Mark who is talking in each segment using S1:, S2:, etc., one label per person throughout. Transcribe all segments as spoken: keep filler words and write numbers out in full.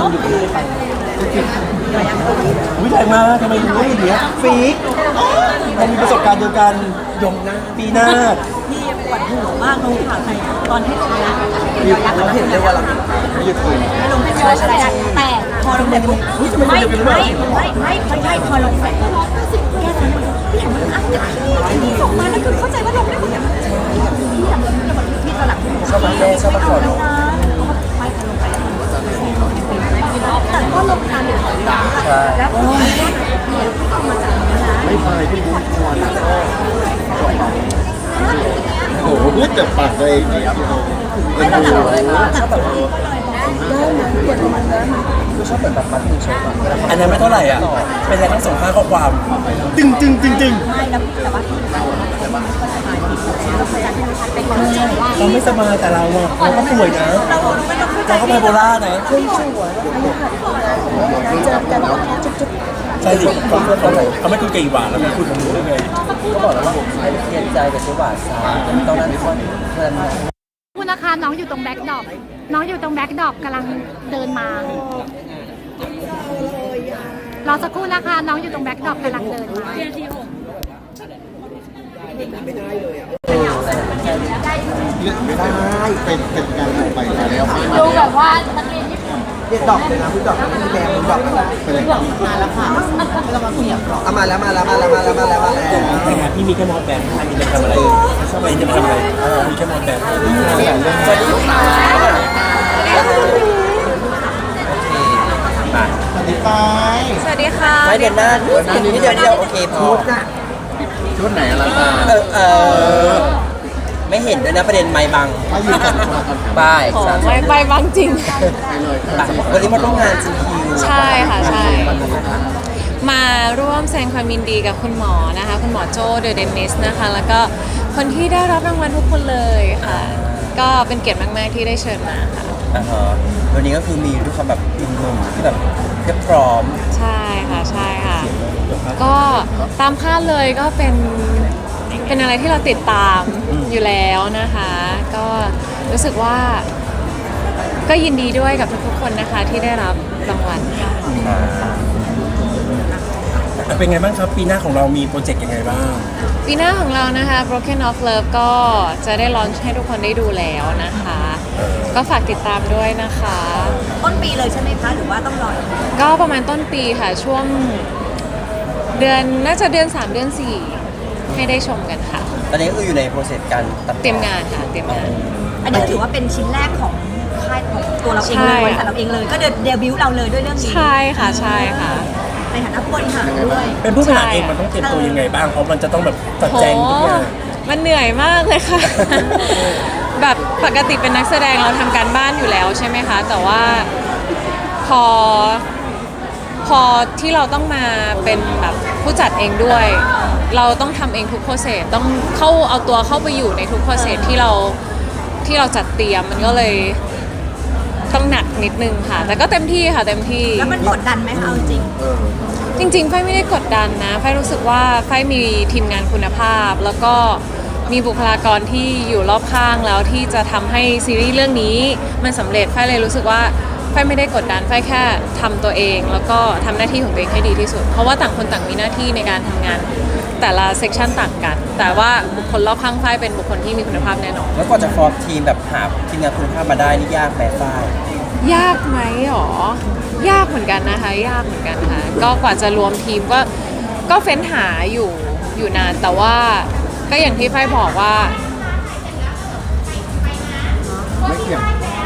S1: คนอยู่ที่ไปวิจัยมาทำไมรู้อย่างเงี้ยฟีกเรามีประสบการณ์เดียวกันยงนะปีหน้า
S2: พี่ปวดหัวมากลงข่าวไทยตอนที่ตกงาน
S1: เราเห็นเลยว่าเราไม่หยุดคุย
S2: ไม่ลงไม่ใช่ใช่แต่พอลงไปปุ๊บไม่ไม่ไม่ไม่ไม่ไม่พอลงไปปุ๊บแก้ทันพี่เห็นมันอัดที่ส่งมาแล้วคือเข้าใจว่าลงได้หมดเลยพี่อยากพี่ตลับ
S1: ชอบมาแก้ชอบมาขอลง
S2: ไม่ลงไปแต่ก็ลงทานอยู่แล้วก็มาจากนี้นะ
S1: ไม่พายพี่บุ๊คควรโอ้โหพูดแต่ปากตัวเองเนี่ย
S2: ไม่ต้องหลับเลยนะ
S1: ชอบแบบได้นะเปลี่ยนมันได้ชอบแบบแบบมัดมือชกอันนั้นไม่เท่าไหร่อ่ะเป็นอะไรทั้งสองข้างข้อความตึงตึงตึงตึง
S2: ไม่แล้วแต่ว่า
S1: เราไม่สบายแต่เราอ่ะเราก็ป่วยนะเราก็ไบโพล่านะช่วยช่วยเจอกันจุ๊บใช่สิเขาเขาเขาไม่คุยกับอีหวานแล้วไม่คุยกับหนูได้ไงเขาบอกแล้วว่าให้เรียนใจกับเชฟหวานซาตอนนั้นทุกคนเพื่อน
S3: คุณนะคะน้องอยู่ตรงแบ็คดรอปน้องอยู่ตรงแบ็คดรอปกำลังเดินมารอสักครู่นะคะน้องอยู่ตรงแบ็คดรอปกำลังเดินมา
S1: ไม่ได้เลยอ่ะไม่ได้เป็นเป็นการไปแล้ว
S3: ดูแบบว่านักเรียนญี่ปุ่น
S1: เด็กดอกเลยนะพี่ดอกพี่แดงพี่ดอกไปเลย
S2: มาแล้วค่ะเรามาเสียบหรอ
S1: เอามาแล้วมาแล้วมาแล้วมาแล้วมาแล้วมาแล้วแต่งานพี่มีแค่มอสแบนอันนี้จะทำอะไรชอบอะไรจะทำอะไรมีแค่มอสแบนสวัสดีค่ะสวัสดีไป
S3: สวัสดีค่ะ
S4: ไม่เดือนหน้าเดือนนี้เดือนเดียวโอเคพอ
S1: ชุดไหนอะไร
S4: เออเออไม่เห็นด้วยนะประเด็นไม้บัง
S1: ไม่อยู่กัน
S4: ป้าย
S3: ไม่ไปบางจริง
S4: วันนี้มาร่วมงานจีคิว
S3: ใช่ค่ะใช่มาร่วมแสดงความยินดีกับคุณหมอนะคะคุณหมอโจเดอะเดนนิสนะคะแล้วก็คนที่ได้รับรางวัลทุกคนเลยค่ะก็เป็นเกียรติมากๆที่ได้เชิญมาค่ะ
S4: วันนี้ก็คือมีทุกคนแบบอินหนุ่มที่แบบเรียบพร้อม
S3: ใช่ค่ะใช่ค่ะก็ตามคาดเลยก็เป็นเป็นอะไรที่เราติดตามอยู่แล้วนะคะก็รู้สึกว่าก็ยินดีด้วยกับทุกๆคนนะคะที่ได้รับรางวัลค่ะ
S1: เป็นไงบ้างครับปีหน้าของเรามีโปรเจกต์ยังไงบ้าง
S3: ปีหน้าของเรานะคะ Broken of Love ก็จะได้ลอนช์ให้ทุกคนได้ดูแล้วนะคะก็ฝากติดตามด้วยนะคะ
S2: ต้นปีเลยใช่ไหมคะหรือว่าต้องรอ
S3: ก็ประมาณต้นปีค่ะช่วงเดือนน่าจะเดือนสามเดือนสี่ให้ได้ชมกันค่ะ
S4: ตอนนี้ก็คืออยู่ในโปรเซสการ
S3: เตรียมงานค่ะเตรียมงาน
S2: อันนี้ถือว่าเป็นชิ้นแรกของค่ายของตัวเราเองเลยบริษัทเราเองเลยก็เดบิวต์เราเลยด้วยเรื่องนี้
S3: ใช่ค่ะใช่ค่ะ
S2: ในฐานะผู้บริหารด้วย
S1: เป็นผู้บริหารเองมันต้องเตรียมตัวยังไงบ้างเพราะมันจะต้องแบบจัดแจงทุกอย่าง
S3: มันเหนื่อยมากเลยค่ะแบบปกติเป็นนักแสดงเราทำการบ้านอยู่แล้วใช่ไหมคะแต่ว่าพอพอที่เราต้องมาเป็นแบบผู้จัดเองด้วยเราต้องทำเองทุกโปรเซสต้องเข้าเอาตัวเข้าไปอยู่ในทุกโปรเซสที่เราที่เราจัดเตรียมมันก็เลยต้องหนักนิดนึงค่ะแต่ก็เต็มที่ค่ะเต็มที่
S2: แล้วมันกดดันไหมคะจริง
S3: จริงๆไฟไม่ได้กดดันนะไฟรู้สึกว่าไฟมีทีมงานคุณภาพแล้วก็มีบุคลากรที่อยู่รอบข้างแล้วที่จะทำให้ซีรีส์เรื่องนี้มันสำเร็จไฟเลยรู้สึกว่าไฟไม่ได้กดดันไฟแค่ทำตัวเองแล้วก็ทำหน้าที่ของตัวเองให้ดีที่สุดเพราะว่าต่างคนต่างมีหน้าที่ในการทำงานแต่ละเซกชันต่างกันแต่ว่าบุคคลรอบข้างไฟเป็นบุคคลที่มีคุณภาพแน่นอน
S4: แล้วก็จะฟอร์มทีมแบบหาทีมงานคุณภาพมาได้นี่ยากไหมไฟ
S3: ยากไหมหรอยากเหมือนกันนะคะยากเหมือนกันค่ะก็กว่าจะรวมทีมก็ก็เฟ้นหาอยู่อยู่นานแต่ว่าก็อย่างที่ไฟบอกว่า
S1: ไม่เกี่ยว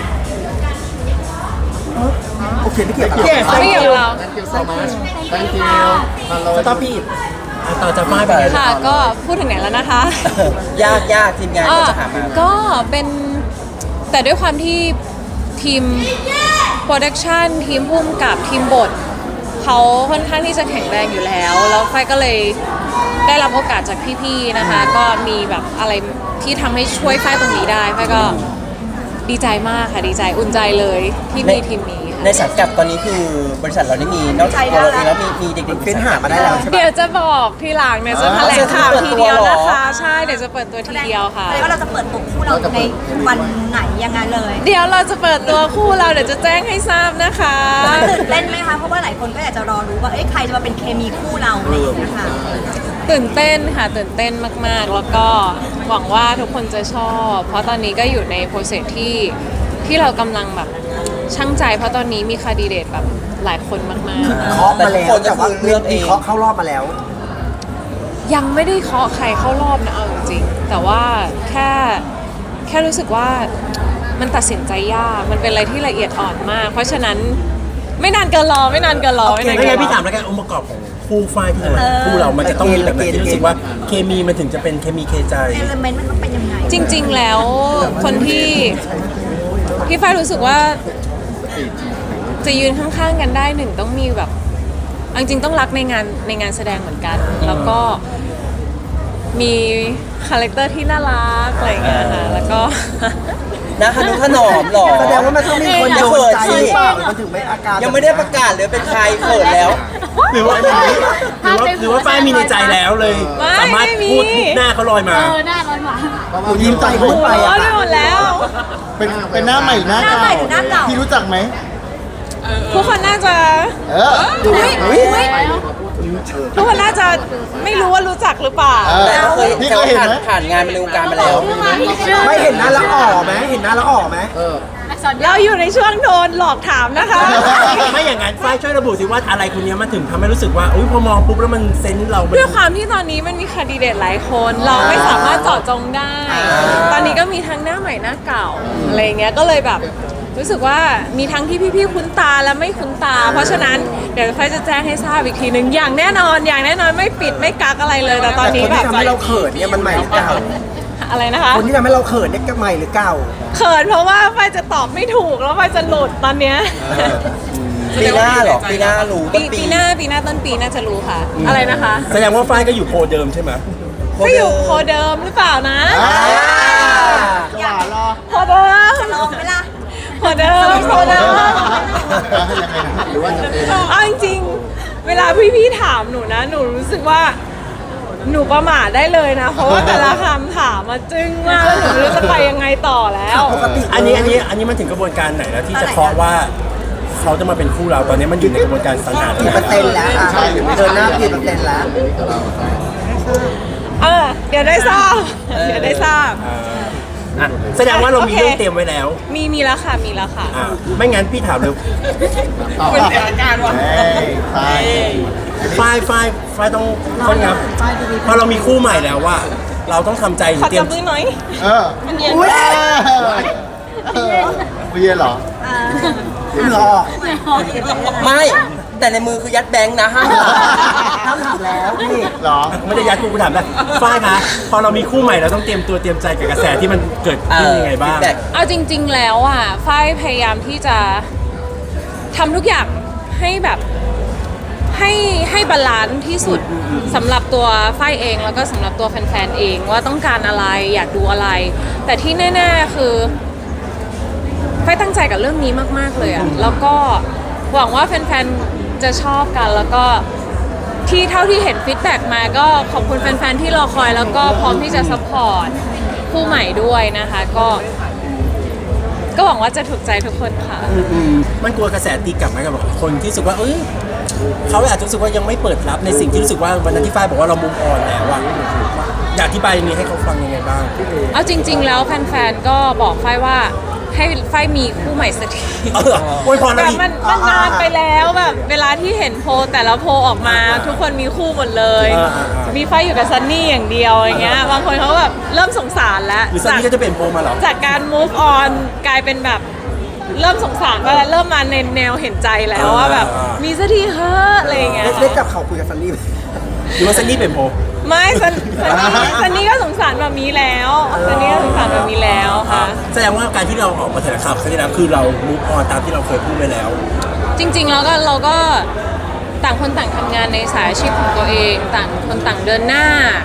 S1: โอเคไม่เกี่ยว
S3: ไม่เกี่ยวเรา
S1: thank you so much thank you สต๊อปพี่ต่อจากไม้ไป
S3: ค่ะก็พูดถึงไหนแล้วนะคะ
S4: ยากยากทีมงานก็จะหามา
S3: ก็เป็นแต่ด้วยความที่ทีมโปรดักชันทีมพุ่มกับทีมบทเขาค่อนข้างที่จะแข็งแรงอยู่แล้วแล้วไฟก็เลยได้รับโอกาสจากพี่ๆนะคะก็มีแบบอะไรที่ทำให้ช่วยไฟตรงนี้ได้ไฟก็ดีใจมากค่ะดีใจอุ่นใจเลยที่มีทีมนี้
S4: ในสังกัดตอนนี้คือบริษัทเราได้มีนอกจากเราเองแล้วมีมีเด็กๆ
S1: เฟ้นหามาได้แล้วใช่ไหม
S3: เดี๋ยวจะบอกทีหลังเนี่ยจะแถลงข่าวทีเดียวนะคะใช่เดี๋ยวจะเปิดตัวทีเดียวค่ะ
S2: แล้วเราจะเปิดตัวคู่เราในวันไหนยังไงเลย
S3: เดี๋ยวเราจะเปิดตัวคู่เราเดี๋ยวจะแจ้งให้ทราบนะคะ
S2: ตื่นเต้นไหมคะเพราะว่าหลายคนก็อยากจะรอรู้ว่าเอ้ยใครจะมาเป็นเคมีคู่เราอะไรอย่างเงี้ยค่ะ
S3: ตื่นเต้นค่ะตื่นเต้นมากๆ แล้วก็หวังว่าทุกคนจะชอบ เพราะตอนนี้ก็อยู่ในโปรเซสที่ที่เรากำลังแบบช่างใจ เพราะตอนนี้มีคาดีเดตแบบหลายคนมาก
S5: เคาะมาแล้วแต่ว่าเลือกเองเคาะเข้ารอบมาแล้ว
S3: ๆ ยังไม่ได้เคาะใครเข้ารอบนะเอาจริงๆแต่ว่าแค่แค่รู้สึกว่ามันตัดสินใจยากมันเป็นอะไรที่ละเอียดอ่อนมาก เพราะฉะนั้นไม่นานเกินรอไม่นานเกินรอ
S1: โอ
S3: ไม่
S1: เคน
S3: าน
S1: ไม่
S3: เกิ
S1: งั้
S3: น
S1: น
S3: ร
S1: พี่ถาม
S3: อ
S1: แล้วกันองค์ประกอบของคู่ฝ้ายที่จะมาคู่เรามันจะต้องมีแบบไหนที่รู้สึกว่าเคมีมันถึงจะเป็นเคมีเคใจ
S2: เอลเมนต์มันต้องเป็นยังไง
S3: จริง ๆ แล้วคนที่ที่ฝ้ายรู้สึกว่าจะยืนข้างๆกันได้หนึ่งต้องมีแบบเอาจริงๆต้องรักในงานในงานแสดงเหมือนกัน แล้วก็มีคาแรคเตอร์ที่น่ารักอะไรอย่างเงี้ยค่ะแล้วก็
S4: นะฮนุถนอมหรอ
S5: แสดงว่ามันต้องมีคนโดนใจหรือเปล่ามันถึงไม่อาการ
S4: ยังไม่ได้ประกาศเลยเป็นใครเขินแล้ว
S1: หรือว่าหรือว่าหรือว่าฝ้ายมีในใจแล้วเลย
S3: ไม่
S1: สามารถ
S3: ไม่มี
S1: พูดหน้าเขาลอยมา
S5: หนูยิ้มใจพูดไป
S3: ร้อ
S5: อะ
S3: นไปหมดแล้ว
S6: เป็นเป็นหน้าใหม่หรือหน้า
S2: หน้า
S6: เก่า
S2: ใหม่หรือหน้าเก่า
S6: พี่รู้จักไหม
S3: ทุกคนน่าจะ
S6: เออ
S3: อุ๊ยอุ๊ยทุกคนน่าจะไม่รู้ว่ารู้จักหรือเปล่า
S6: เออ
S4: แต่ก็เคย
S6: พี่
S4: แต่
S6: เค
S4: ว่าย
S6: เห็น
S4: ผ่าน
S6: ไหม
S4: ผ่านงานมาในวงการมาแล้ว
S5: ไม่เห็นหน้าแล้วอ่อไหมเห็นหน้าแล้วอ่อไหม
S3: เราอยู่ในช่วงโดนหลอกถามนะคะ
S1: ไม่อย่างนั้นฝ้ายช่วยระบุสิว่าอะไรคนนี้มันถึงทำให้รู้สึกว่าอุ้ยพอมองปุ๊บแล้วมันเซนส์เรามัน
S3: ด้วยความที่ตอนนี้มันมีคาดีเดตหลายคน เราไม่สามารถเจาะจงได้ ตอนนี้ก็มีทั้งหน้าใหม่หน้าเก่าอะไรเงี้ยก็เลยแบบรู้สึกว่ามีทั้งที่พี่ๆคุ้นตาและไม่คุ้นตา เพราะฉะนั้นเดี๋ยวไฟจะแจ้งให้ทราบอีกทีหนึ่งอย่างแน่นอนอย่างแน่นอนไม่ปิดไม่กักอะไรเลยแต่ตอนนี้
S5: คน
S3: แบ
S5: ที่
S3: บ
S5: ทำให้เราเขินเนี่ยมันใหม่หรือเก่า
S3: อะไรนะคะ
S5: คนที่ทำให้เราเขินเนี่ยก็ใหม่หรือเก่า
S3: เขินเพราะว่าไฟจะตอบไม่ถูกแล้วไฟจะหลุดตอนเนี้ย
S4: ปีหน้าเหรอ ปีหน้ารู้ต้
S3: ปี
S4: นปี
S3: ปีหน้าปีหน้าต้นปีน่าจะรู้ค่ะ อะไรนะคะ
S1: แสดงว่าฝ้ายก็อยู่โพลเดิมใช่ไหม
S3: ก็อยู่โคเดิมหรือเปล่านะ
S6: อ่าจะหวานรอ
S3: โคเดิม
S2: ลองไหมล่ะ
S3: โคเดิมโคเดิม
S6: ยังไงนะหรือว่าจะเป็น
S3: เอาจริงๆเวลาพี่ๆถามหนูนะ หนูรู้สึกว่า หนูประมาทได้เลยนะ เพราะว่าแต่ละคำถามมาจึ้งมากแล้วหนูไม่รู้จะไปยังไงต่อแล้ว
S5: ปกติ
S1: อันนี้อันนี้อันนี้มันถึงกระบวนการไหนแล้วที่จะเคาะว่าเขาจะมาเป็นคู่เราตอนนี้มันอยู่ในกระบวนการสังหา
S5: กี่เปอร์เซ็นต์แล้วอ่ะเดินหน้ากี่เปอร์เซ็นต์แล้ว
S3: เออ เดี๋ยวได้ทราบ เดี๋ยวได้ทราบ
S1: อ่ะแสดงว่าเรามี
S3: โอเค
S1: เรื่องเตรียมไว้แล้ว
S3: มีมีแล้วค่ะ มีแล้วค่ะ
S1: อ่ะไม่งั้นพี่ถามเลย
S6: เป็นเสียอาการว่ะใช่
S1: ฝ้ายฝ้ายฝ้ายต้องค่อนครับพอเรามีคู่ใหม่แล้วว่า เราต้องทำใจหรื
S3: ขอ
S1: อเตรีย
S3: จั
S1: ม
S3: บมือหน่อย
S6: เออ
S3: มันเย็น
S5: อุ้ย
S6: เออไม่เย็นเหรอ
S5: เหงื่อออก
S4: ไม่ แต่ในมือคือยัดแบงค์นะห้าม
S5: ห้ามถามแล้วนี่
S6: เหรอ
S1: ไม่ได้ยัดกูกูถามได้ฝ้ายคะพอเรามีคู่ใหม่เราต้องเตรียมตัวเตรียมใจกับกระแสที่มันเกิด
S4: เอ
S1: ขึ้น
S4: อ
S1: ยังไงบ้าง
S4: feedback
S3: เอาจริง ๆ แล้วอ่ะฝ้ายพยายามที่จะทำทุกอย่างให้แบบให้ให้บาลานซ์ที่สุดสำหรับตัวฝ้ายเองแล้วก็สำหรับตัวแฟนๆเองว่าต้องการอะไรอยากดูอะไร แต่ที่แน่ๆคือฝ้ายตั้งใจกับเรื่องนี้มากๆเลยอ่ะแล้วก็หวังว่าแฟนๆจะชอบกันแล้วก็ที่เท่าที่เห็นฟีดแบ็กมาก็ขอบคุณแฟนๆที่รอคอยแล้วก็พร้อมที่จะซัพพอร์ตคู่ใหม่ด้วยนะคะก็ก็หวังว่าจะถูกใจทุกคนค่ะ
S1: อืมมันกลัวกระแสตีกลับไหมกับคนที่รู้สึกว่าเอ้ยเขาอาจจะรู้สึกว่ายังไม่เปิดรับในสิ่งที่รู้สึกว่าวันนั้นที่ฝ้ายบอกว่าเรามุมอ่อนแล้วอะอยากอธิบายนี้ให้เขาฟังยังไงบ้าง
S3: เอาจริง ๆ แล้วแฟนๆ ก็บอกฝ้ายว่าให้ฝ้ายมีคู่ใหม่สักที
S1: เอออวยพร
S3: แบ
S1: เรา
S3: บ
S1: อีก
S3: มันมันนานไปแล้วแบบเวลาที่เห็นโพลแต่ละโพลออกมา ทุกคนมีคู่หมดเลย
S1: อ่าอ่าอ่ามี
S3: มีฝ้ายอยู่กับซันนี่อย่างเดียวอย่างเงี้ยบางคนเขาแบบเริ่มสงสารแล้ว
S1: หรือซันนี่ก็จะเปลี่ยนโพลมาเหรอ
S3: จากการ move on กลายเป็นแบบเริ่มสงสารไปแล้วเริ่มมาในแนวเห็นใจแล้วว่าแบบ
S1: อ่ามี
S3: มีสักทีเฮ้อะอะไรอย่างเงี้ย
S5: ได้ได้จับเข่าคุยกับซันนี่ไหม
S1: หรือว่าซันนี่เปลี่ยนโพล
S3: ไม่ซันซันนี่ซันนี่ก็สงสารแบบนี้แล้วซันนี่ก็สงสารแบบนี้แล้วค่ะ
S1: แสดงว่าการที่เราออกมาแถลงข่าวครั้งที่แล้วคือเรามุกออนตามที่เราเคยพูดไปแล้ว
S3: จริงๆแล้วก็เราก็ต่างคนต่างทำงานในสายอาชีพของตัวเอง ต่างคนต่างเดินหน้า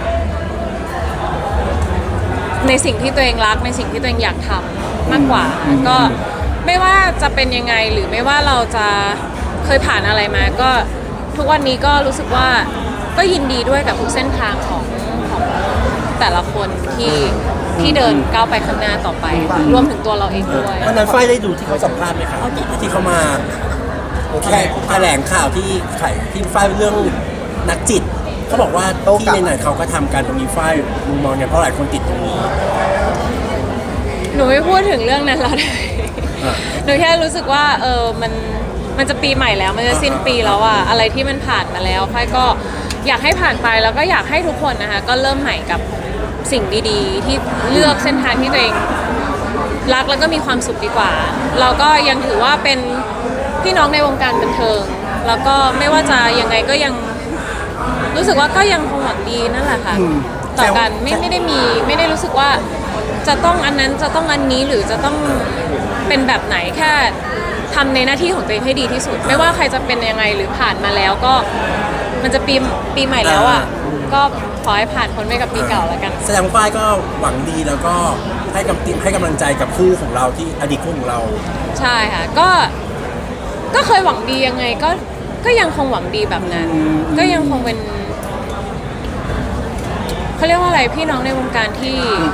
S3: ในสิ่งที่ตัวเองรักในสิ่งที่ตัวเองอยากทำมากกว่า ก็ไม่ว่าจะเป็นยังไงหรือไม่ว่าเราจะเคยผ่านอะไรมา ก็ทุกวันนี้ก็รู้สึกว่าก็ยินดีด้วยกับทุกเส้นทางของของแต่ละคนที่ที่เดินก้าวไปข้างหน้าต่อไป รวมถึงตัวเราเองด้วย
S1: วันนั้นฝ้ายได้ดูที่เขาสัมภาษณ์ไหมครับที่เขามาแค่แถลงข่าวที่ไข่ที่ฝ้ายเรื่องนักจิตเขาบอกว่าที่ไหนๆเขาก็ทำกันตรงนี้ฝ้ายมุมมองเนี่ยเพราะหลายคนติดตรงนี้
S3: หนูไม่พูดถึงเรื่องนั้นแล้วได้หนูแค่รู้สึกว่าเออมันมันจะปีใหม่แล้วมันจะสิ้นปีแล้วอะอะไรที่มันผ่านมาแล้วฝ้ายก็อยากให้ผ่านไปแล้วก็อยากให้ทุกคนนะคะก็เริ่มใหม่กับสิ่งดีๆ ที่เลือกเส้นทางที่ตัวเองรักแล้วก็มีความสุขดีกว่า เราก็ยังถือว่าเป็นพี่น้องในวงการบันเทิงแล้วก็ไม่ว่าจะยังไงก็ยังรู้สึกว่าก็ยังคงหวังดีนั่นแหละค่ะต่อกันไม่ไม่ได้มีไม่ได้รู้สึกว่าจะต้องอันนั้นจะต้องอันนี้หรือจะต้องเป็นแบบไหนแค่ทำในหน้าที่ของตัวเองให้ดีที่สุด ไม่ว่าใครจะเป็นยังไงหรือผ่านมาแล้วก็มันจะปีปีใหม่แล้วอ่ะก็ขอให้ผ่านพ้นไปกับปีเก่าแล้วกัน
S1: แสดงว่าฝ้ายก็หวังดีแล้วก็ให้กำให้กำลังใจกับคู่ของเราที่อดีตคู่ของเรา
S3: ใช่ค่ะก็ก็เคยหวังดียังไงก็ก็ยังคงหวังดีแบบนั้น ก็ยังคงเป็นเขาเรียกว่าอะไรพี่น้องในวงการที่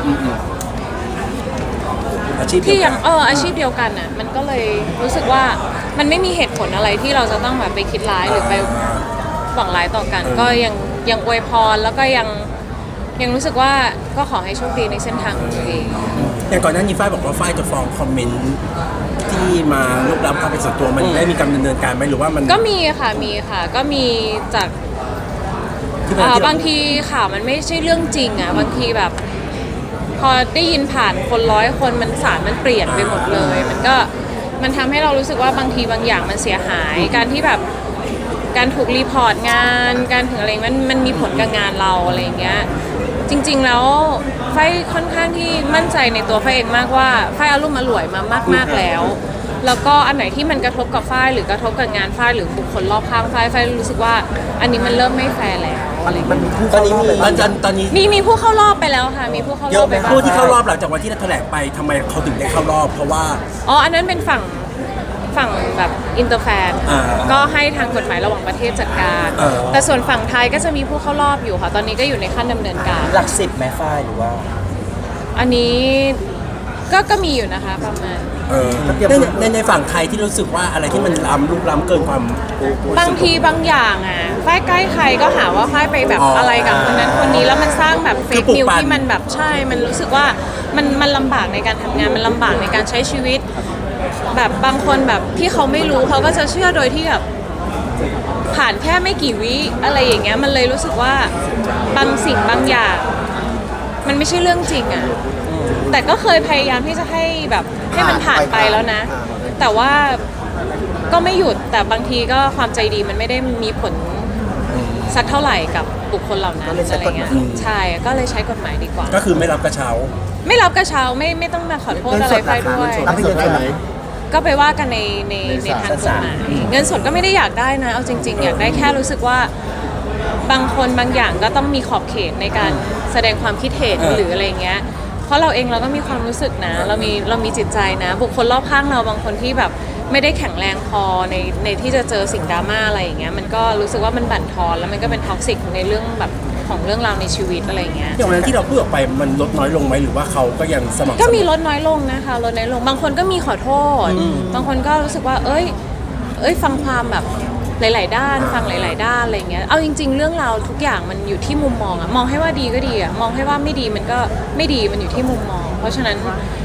S1: อาชีพเดี
S3: ที่
S1: ยว
S3: ยั
S1: กั
S3: ง
S1: น
S3: เอออาชีพเดียวกันอ่ะมันก็เลยรู้สึกว่ามันไม่มีเหตุผลอะไรที่เราจะต้องแบบไปคิดร้ายหรือไปหวังร้ายต่อกัน ก็ยังยังอวยพรแล้วก็ยังยังรู้สึกว่าก็ขอให้โชคดีในเส้นทางของตัวเอง
S1: อย่างก่อนหน้านี้ฝ้ายบอกว่าฝ้ายจะฟ้องคอมเมนต์ที่มาลุกล้ำความเป็นส่วนตัวมันได้มีการดำเนินการไหมหรือว่ามัน
S3: ก็มีค่ะมีค่ะก็มีจาก
S1: ที่มัน
S3: อ่า
S1: ที่เร
S3: บางทีข่าวมันไม่ใช่เรื่องจริงอ่ะบางทีแบบ พอได้ยินผ่านคนร้อยคนมันสารมันเปลี่ยนไปหมดเลย มันก็มันทำให้เรารู้สึกว่าบางทีบางอย่างมันเสียหาย การที่แบบการถูกรีพอร์ตงานการถึงอะไรมันมันมีผลกับงานเราอะไรอย่างเงี้ยจริงๆแล้วไฟค่อนข้างที่มั่นใจในตัวไฟเองมากว่าไฟอารมณ์อร่วยมามากๆแล้ว แล้วก็อันไหนที่มันกระทบกับฝ้ายหรือกระทบกับงานฝ้ายหรือบุคคลรอบข้างฝ้ายฝ้ายรู้สึกว่าอันนี้มันเริ่มไม่แฟร์แล้วอะไรอย่าง
S5: มัน
S3: เงี้ย
S5: มีผู้
S1: ตอนนี้มี
S5: เข้ารอบ
S1: ตอนตอนนี้
S3: มีมีผู้เข้ารอบไปแล้วค่ะ มีผู้เข้าร
S1: เย
S3: อ
S1: อะ
S3: บ
S1: ไหม
S3: ไปบ้าง
S1: ผู้ที่เข้ารอบหลังจากวันที่เราแถลงไปทำไมเขาถึงได้เข้ารอบ เพราะว่า
S3: อ๋ออันนั้นเป็นฝั่งฝั่งแบบอินเตอร์แฟน
S1: อ่า
S3: ก็ให้ทางกฎหมายระหว่างประเทศจัดการ
S1: เออ
S3: แต่ส่วนฝั่งไทยก็จะมีผู้เข้ารอบอยู่ค่ะ ตอนนี้ก็อยู่ในขั้นดำเนินการ
S4: หลักสิบแม่ฝ้ายหรือว่า
S3: อันนี้ก็ก็มีอยู่นะคะประมาณ
S1: เออในในในฝั่งไทยที่รู้สึกว่าอะไรที่มันล้ำลุกล้ำเกินความ
S3: บางทีบางอย่างอ่ะฝ้ายใกล้ใครก็หาว่าฝ้ายไปแบบ
S1: อ๋ออ
S3: อะไรกับคนนั้นคนนี้แล้วมันสร้างแบบเฟ
S1: คื
S3: ก
S1: อปลุก
S3: นิว
S1: ปั่น
S3: ที่มันแบบใช่ มันรู้สึกว่ามันมันลำบากในการทำงานมันลำบากในการใช้ชีวิต แบบบางคนแบบที่เขาไม่รู้เขาก็จะเชื่อโดยที่แบบผ่านแค่ไม่กี่วิอะไรอย่างเงี้ยมันเลยรู้สึกว่าบางสิ่งบางอย่าง มันไม่ใช่เรื่องจริงอ่ะแต่ก็เคยพยายามที่จะให้แบบให้มันผ่านไปแล้วนะ แต่ว่าก็ไม่หยุดแต่บางทีก็ความใจดีมันไม่ได้มีผลสักเท่าไหร่กับบุคคลเหล่านั้นอะไรเงี้ยใช่ก็เลยใช้กฎหมายดีกว่า
S1: ก็คือไม่รับกระเช้า
S3: ไม่รับกระเช้าไม่ไม่ต้องมาขอโทษอะไรไปด้วย
S5: รับ
S6: เงินสดได้ไหม
S3: ก็ไปว่ากันในในในทางกฎหมายเงินสดก็ไม่ได้อยากได้นะเอาจริง ๆ อยากได้แค่รู้สึกว่าบางคนบางอย่างก็ต้องมีขอบเขตในการแสดงความคิดเห็น
S1: เออ
S3: หรืออะไรเงี้ยเพราะเราเองเราก็มีความรู้สึกนะ เรามีเรามีจิตใจนะ บุคคลรอบข้างเราบางคนที่แบบไม่ได้แข็งแรงพอในในที่จะเจอสิ่งดราม่าอะไรอย่างเงี้ยมันก็รู้สึกว่ามันบั่นทอนแล้วมันก็เป็นท็อกซิกในเรื่องแบบของเรื่องราวในชีวิตอะไรเงี้ย
S1: อย่างวันนั้นที่เราพูดออกไปมันลดน้อยลงไหมหรือว่าเขาก็ยังสม่ำเสมอ
S3: ก็มีลดน้อยลงนะคะลดน้อยลงบางคนก็มีขอโทษ บางคนก็รู้สึกว่า เอ้ย เอ้ยฟังความแบบหลาย ๆ ด้าน ฟังหลาย ๆ ด้านอะไรเงี้ยเอาจริง ๆ เรื่องราวทุกอย่างมันอยู่ที่มุมมองอะมองให้ว่าดีก็ดีอะมองให้ว่าไม่ดีมันก็ไม่ดีมันอยู่ที่มุมมอง เพราะฉะนั้น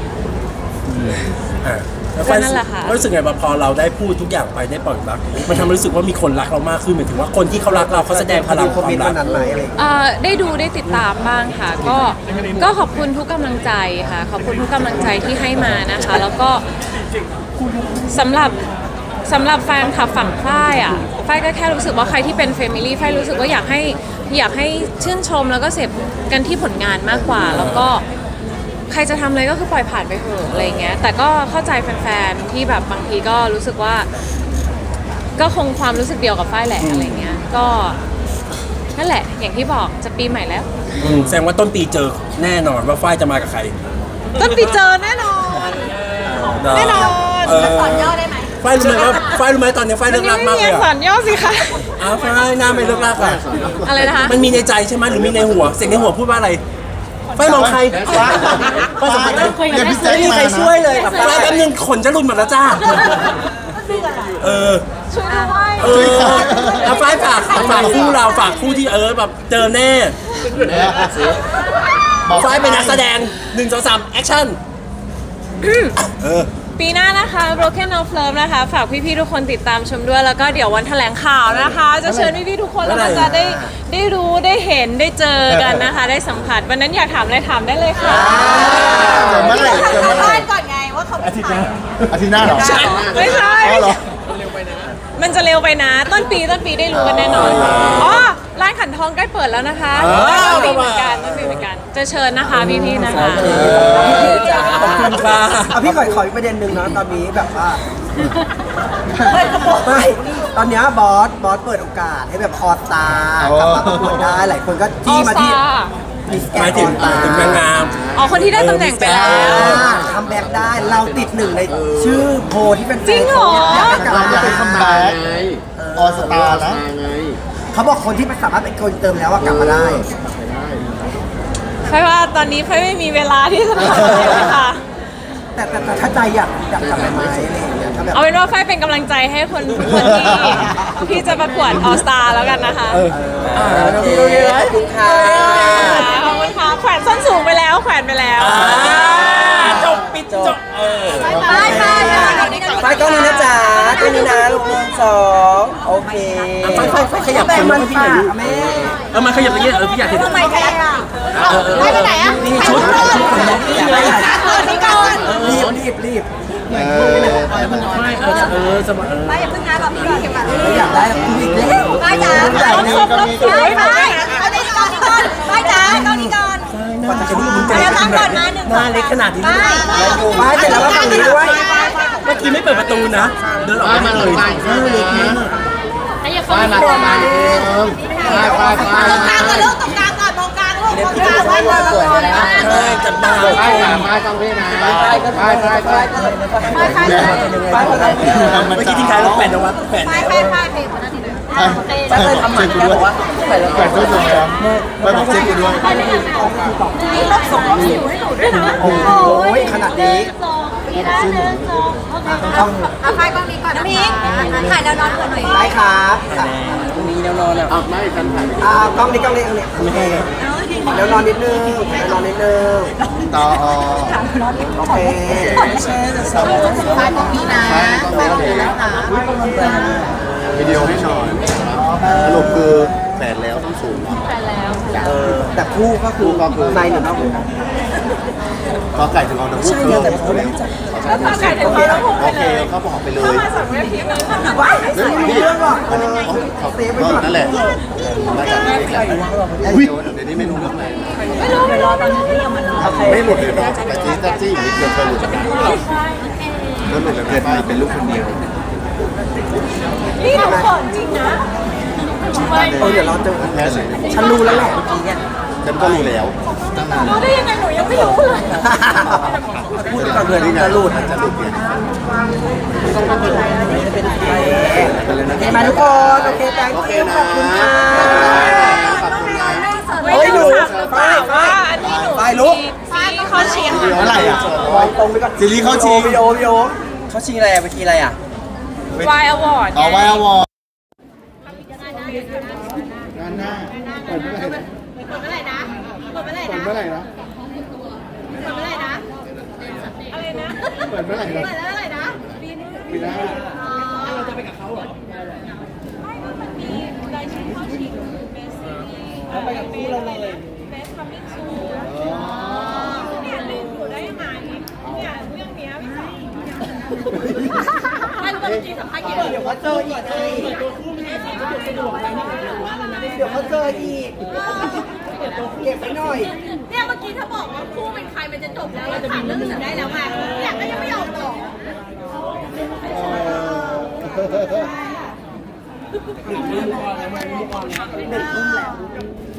S1: อ่ะแล้ว
S3: ก็นั่นแหละค่ะ
S1: รู้สึกไงบ้างพอเราได้พูดทุกอย่างไปได้ปล่อยรักมันทำให้รู้สึกว่ามีคนรักเรามากขึ้นหมายถึงว่าคนที่เขารักเราเขาแสดงพลัง
S5: ค
S1: ค
S5: อม
S1: วา
S5: เมน
S1: ม
S5: ต์
S1: รั
S5: วั
S1: ก
S5: นนั้นไหมอะไรอย่างเงี้ย
S3: เอ่อได้ดูได้ติดตามบ้างค่ะ ก็ก็ขอบคุณทุกกำลังใจค่ะ ขอบคุณทุกกำลังใจที่ให้มานะคะ แล้วก็สำหรับสำหรับแฟนคลับฝั่งฝ้ายอ่ะฝ้ายก็แค่รู้สึกว่าใครที่เป็นเฟมิลี่ฝ้ายรู้สึกว่าอยากให้อยากให้ชื่นชมแล้วก็เสพกันที่ผลงานมากกว่า แล้วก็ใครจะทำอะไรก็คือปล่อยผ่านไปเถอะอะไรเงี้ยแต่ก็เข้าใจแฟนๆที่แบบบางทีก็รู้สึกว่า ก็คงความรู้สึกเดียวกับฝ้ายแหละอะไรเงี้ยก็นั่นแหละอย่างที่บอกจะปีใหม่แล้ว
S1: อืมแสดงว่าต้นปีเจอแน่นอนว่าฝ้ายจะมากับใคร
S3: ต้นปีเจอแน่นอน แน่นอน
S1: เออ
S2: สอนย่อได้ไหม
S1: ฝ้ายรู้ไหมว่าฝ้ายรู้ไหมตอนนี้ฝ้ายเลิกรักมากเลย
S3: สอ
S1: อ่ะ
S3: นย่อสิคะ
S1: อ้าวฝ้ายหน้าไม่เลิกรักอ่ะ
S3: อะไรนะคะ
S1: มันมีในใจใช่ไหมหรือมีในหัวเสียงในหัวพูดว่าอะไรฝ้ายมองใครฝ้ายสัมผัสได้
S6: เนี่ยพี่แจ๊ค
S1: ไม่มี
S6: มา
S1: ใคร
S6: นะ
S1: ช่วยเลยแบบฝ้ายแป๊บนึงขนจะหลุดหมดแล้วจ้า
S2: เดือดอ่ะ
S1: เออ
S3: ช่วยด้วย
S1: เออเอาไฟฝากฝากคู่เราฝากคู่ที่เออแบบเจอแน่
S6: บอก
S1: ไฟเป็นนักแสดงหนึ่งสองสามแอคชั่น
S3: ปีหน้านะคะ Broken of Love นะคะ ฝากพี่ๆทุกคนติดตามชมด้วย แล้วก็เดี๋ยววันแถลงข่าวนะคะ จะเชิญพี่ๆทุกคนแล้วก็จะได้ได้รู้ได้เห็นได้เจอกันนะคะ ได้สัมผัสวันนั้นอยากถามอะไรถามได้เลยค่ะ
S6: เจอเมื่อไหร่เจอเมื่อไหร่
S2: บ้านก่อนไงว่าเขาเป็นใคร
S6: อาทิตย์หน้าเหรอ
S3: ไม่ใช่
S6: อ๋อเหรอ
S3: มันจะเร็วไปนะ ต้นปีต้นปีได้รู้กันแน่นอนอ๋อร้านขันทองใกล้เปิดแล้วนะคะต้นปีเหมือนกันต้นปีเหมือนกันจะเชิญนะคะพี่ๆนะคะ
S1: ขอบคุณค่ะ
S5: เอาพี่ขอขออีกประเด็นหนึ่งนะตอนนี้แบบว่าไม่ตอนเนี้ยบอสบอสเปิดโอกาสให้แบบออสตากลับมาประกวดได้หลายคนก็จี้มาที่มิสแก
S1: ห
S5: ร
S1: มาย
S5: นด์
S1: ถึง
S5: ออสตา
S1: ถึงนางงาม
S3: อ๋อคนที่ได้ตำแหน่งไปแล้ว
S5: คัมแบ็กได้เราติดหนึ่งในชื่อโพลที่เป็น
S3: จริงเหรอ
S5: อยากจะกลับ
S6: เรา
S5: มา
S6: อยาก
S5: เป็
S6: ให้
S5: น
S6: คัมแบ็กออสตาร์นะ
S5: เขาบอกคนที่สามารถเป็นคนเติมแล้วว่ากลับมาได้
S3: เพราะว่าตอนนี้เพไม่มีเวลาที่จะทำเลยค่ะ
S5: แต่แต่แต่ถ้าใจอยากอยากกลับไปไหมอะไรอย่างเงี้ยถ้าแบบ
S3: เอาเป็นว่าไฟเป็นกำลังใจให้คนคนที่ที่จะประกวดออสตาแล้วกันนะคะ
S5: โอเคขอบคุณค่ะ
S3: ขอบคุณค่ะแขวนส้นสูงไปแล้วแขวนไปแล้ว
S1: จบปิดจบเออ
S2: ไปไปไป
S5: ไฟกล้องนี้นะจ๊ะกล้องนี้นะลูกหนึ่งสองโอเค
S1: ไฟไฟไฟขยับ
S5: แต่
S1: คน
S5: มั
S1: มาน ให้พี่ห
S5: ฝา
S1: น่อย
S5: ก
S1: ดิ
S5: แม่
S1: เออมาขยับอย่างเงี้ยเออพี่อยากเห็น
S2: ทำไมแพ้อ่ะ
S1: เออเออ
S2: ไปไปไหนอ่ะ
S1: นี่ชุดชุดของน้องนี่ไง
S2: ก่อนนี่ก่อน
S5: รีบรีบรีบ
S6: เออ
S1: ไม่เออเออสบายเออ
S2: ไปอย่าเพิ่งนะรอพี่ก่อนเก็บก่อน
S5: เราอยากได้กูอีกแล้ว
S2: ไปจ๋า
S5: ใหญ่
S2: ต้อง
S5: เลย
S2: ครบต้องสวยไปไปไปก่อนก่อนไปจ๋าก่อนนี่ก่อน
S1: กว่าจะรู้มึง
S2: เดี๋ยวตั้งก่อนมาหนึ่ง
S1: หน้าเล็กขนาดนี้
S2: ไป
S5: ไปเสร็จแล้วก็ฝั่งนี้ด้วย
S1: เมื่อกี้ไม่เปิดประตูนะ เดินออกมาเลยหน้าเล็กมาก
S6: ไปมาไปมาไปไปไป
S2: ตรงกลางก่อนลูกตรงกลางก่อนมองกลางลูกมองกลางไว้ก่อนสวยนะ
S1: ใช่จับดาว
S6: ไปมาต้องพี่นะไปไปไปไปไป
S2: ไปไปไป
S1: เมื่อกี้ทิ้งท้ายแล้วแปดนวัดแปด
S2: ไป
S1: แล้ว
S2: ไปไปเพลงคนนั้นทีนึง
S6: ไปไปทำหมันกันบอกว่าแปดแปดด้วยนะไปบอกเช็คกันด้วย
S2: นี่ลบสองลบสิวให้หนูด้วยนะ
S5: โอ้ยขนาดนี้
S2: ต้องเอาไฟกล้องนี้ก่อนนะพี่ถ่ายแนวนอนก่อนหน่อย
S5: ได้ครับตรงนี้แนวนอนอ่ะ
S6: ไม่กันถ่าย
S5: อ่ากล้องนี้กล้องนี้กล้องนี้แนวนอนนิดนึงแนวนอนนิดนึง
S6: ต่อ
S5: โอเค
S2: ไฟกล้องนี้นะไฟกล้องนี้นะคะ
S6: วิดีโอให้หน่อยสรุปคือแปดแล้วต้องสูง
S5: เออแต่คู่ก็คือในหรือนอก
S6: ก็ไก่ถึงเอาน้ำพุคือ
S3: แล้วพอไก่ถึงพอแล้วพูด
S6: โอเคเขาบอกไปเลย
S3: สั่งเว็บพีมันทำ
S5: ว้ายไม่ใส่เรื่องหรอกเออ
S6: เซฟไว้ก่อนนั่นแหละมาจากนี้แหละอุ้ยเดี๋ยวนี้ไม่รู้เรื่องอะไร
S3: ไม่รู้ไม่รู้ตอนนี้
S6: ไม่หลุดเลยเนาะแต่จี้ตัจี้นิดเดียวเคยหลุดจากกันแล้วหลุดแล้วเกิดมาเป็นลูกคนเดียว
S3: นี่หนูเขินจริงนะ
S5: เออเดี๋ยวเราเจอ
S6: แพ้เลย
S5: ฉันรู้แล้วแหละเมื่อกี้เนี่ย
S6: ฉันก็รู้แล้วตั้งนาน
S3: รู้ได้ยังไงหนูยังไม่รู้เลย
S5: พูดก่อนเผื่อที่จะหลุด
S6: จะหลุดเนี่ย
S5: โอเคมาทุกคนโอเคแตงคิวขอบคุณค่ะ
S6: ขอบคุณนะ
S3: ไม่รู้สักหรือเปล่าว่าอันนี้หนู
S5: ไปลุก
S3: ซีเขาเชียร์
S6: เมื่อไหร่อ่ะ
S5: ตรงไปก่อน
S6: ซีรีส์เข้าชิง
S5: วิดีโอวิดีโอเขาชิงอะไรไปทีอะไรอ่ะ
S3: วายอวอร์ด
S6: ต่อไว้อวอร์งานหน้าเปิดเมื่อไหร่
S2: เปิดเมื่อไหร่นะเปิดเมื่อไหร่
S6: เปิด
S2: นะ
S6: เมื่อไหร่นะ
S2: เปิดเมื่อไหร่นะ
S3: อะไรนะ
S6: เปิดเมื่อไหร่นะ
S2: เปิดเมื่อไหร่นะปีนึง
S6: ปีหน้า
S3: เราจะไปกับเขาเหรอไม่มันมีรายชื่อเข้าชิงเบสซีรีส์ไปกับคู่เราเลยเบสคัมมิ่งซูเนี่ยลืมอยู่ได้ยังไงเนี่ยเรื่องเนี้ยไม่ใช่ไม่รู้ว่าจริงสัมภาษณ์กี่เดี๋ยวเขาเจออีกไงเดี๋ยวเขาเจออีก
S5: เก็บไว้หน่อย
S2: เนี่ยเมื่อกี้ถ้าบอกว่าคู่เป็นใครมันจะจบแล้วเราถามเรื่องอื่นได้แล้วไงอยากก็ยังไม่ยอมบอก
S5: หนึ่งทุ่มแล้ว